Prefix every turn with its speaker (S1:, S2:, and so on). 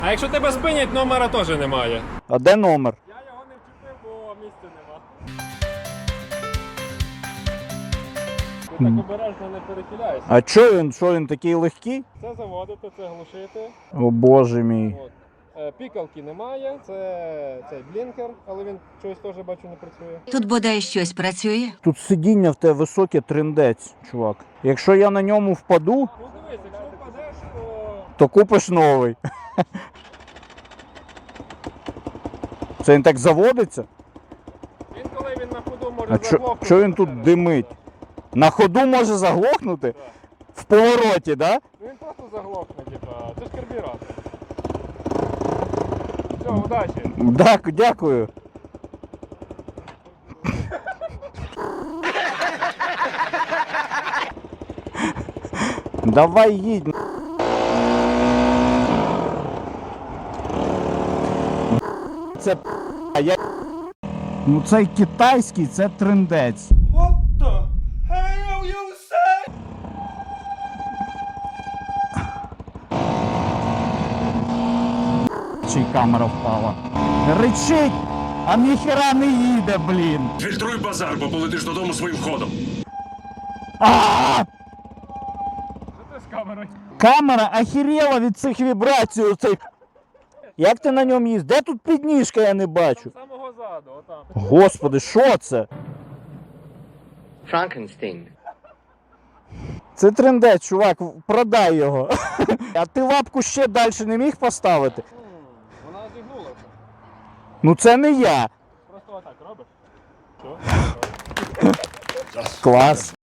S1: А якщо тебе спинять, номера теж немає.
S2: А де номер?
S1: Я його не вчепив, бо місця нема. Ти так обережно не перехиляйся.
S2: А що він такий легкий?
S1: Це заводити, це глушити.
S2: О боже мій.
S1: От. Пікалки немає, це цей блінкер, але він чогось теж бачу не працює.
S3: Тут бодай щось працює.
S2: Тут сидіння в тебе високе, триндець, чувак. Якщо я на ньому впаду,
S1: Ну дивись, якщо впадеш,
S2: то купиш новий. Це він так заводиться?
S1: він коли він на ходу може
S2: А
S1: заглохнути.
S2: що він тут димить? На ходу може заглохнути? В повороті, да?
S1: Ну він просто заглохне, типа, це ж карбюратор. Все, удачі.
S2: Так, дякую. Давай їдь. Це я. Ну цей китайський, це триндець.
S4: What the hell you say?
S2: Чи камера впала. Ричить, а ніхера не їде, блін.
S5: Фільтруй базар, бо полетиш додому своїм ходом.
S2: А!
S1: Що ти з камерою?
S2: Камера охерела від цих вібрацій. Оцей. Як ти на ньому їздиш? Де тут підніжка, я не бачу.
S1: З самого заду, отам.
S2: Господи, що це?
S6: Frankenstein.
S2: Це трендець, чувак, продай його. А ти лапку ще далі не міг поставити?
S1: Вона зігнулася.
S2: Ну це не я.
S1: Просто отак робиш.
S2: Клас.